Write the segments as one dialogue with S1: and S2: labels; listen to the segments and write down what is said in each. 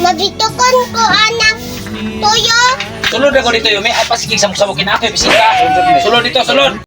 S1: Mabitukon ko anak tuyo.
S2: Sulod ako dito, Yumi. Ay, pasigig samok-samokin ako, bisita. Sulod dito, sulod.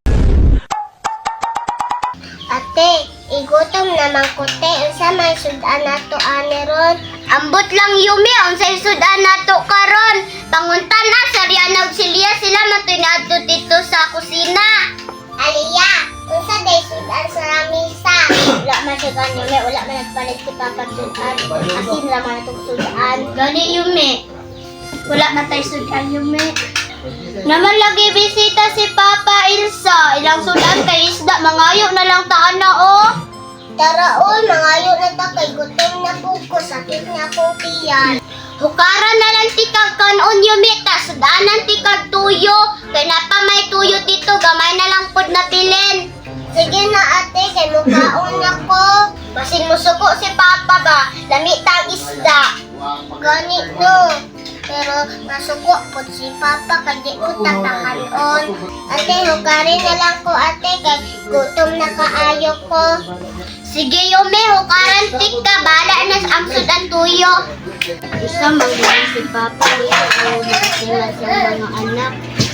S1: Ate, igutom naman ko te. Unsa may sudan nato ani ron? Ambot lang Yumi, unsay sudan nato karon? Panguntan na sa Riana ug Celia sila matinadto dito sa kusina. Aliya, unsa day sudan sa lamisa? Wala man siya ganyo, wala man nagpalit si Papa sudan. Asin ra man itong sudan. Gani Yumi. Wala na tayo sudan Yumi. Naman lagi bisita si Papa Ilsa. Ilang sudan kay isda, mangayo na lang taan na oh. Tara oy, mangayo na ta kay gutom na po ko, sakit na po tiyan. Hukaran na lang tikag kanon Yumi, ta sudanan tikag tuyo. Kay napa may tuyo dito, gamay na lang pod na pilin. Sige na ate, kay mukhaon ako. Basin mo suko si Papa ba, lami tang isda. Ganit no. Pero masuko po si Papa kay di ko tatakanon. Ate, hukarin na lang ko ate kay gutom na kaayo ko. Sige Yumi, hukaran tik ka, bala na ang sudan tuyo. Isa magiging si Papa dito o nakasila sa mga anak.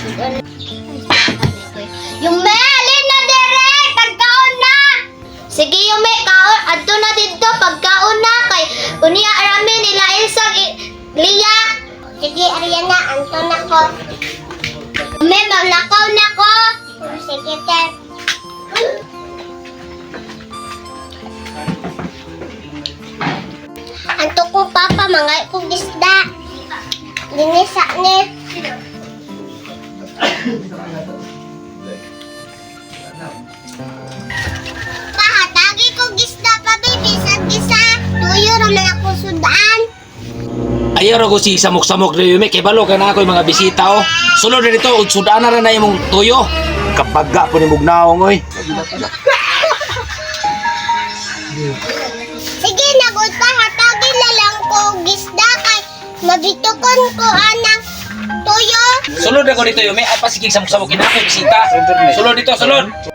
S1: Yumi, alin na dire, pagkaon na! Sige Yumi, kaon, adto na dito, pagkaon na kay unya arami nila Elsa, Lia. Sige, Ariana, anton ako. Yumi, maglakaw na ko. Sige, Ter. Anto ko Papa, mga kong isda. Linisa ni. Pahatagi kong isda pa, baby. Sa tuyo raman ako sudan.
S2: Ayaw ko si samok-samok na Yumi. Kay balo ka na ako yung mga bisita, oh. Sulod na dito, sudan na rin na yung tuyo. Kapagga po ni Mugnaong, oy.
S1: Sige, nagod pa. Hatagi na lang ko gisda kay mabitukon ko anak tuyo.
S2: Sulod ako dito, Yumi. Ay, pasigig samok-samokin ako, bisita. Sulod dito, sulod.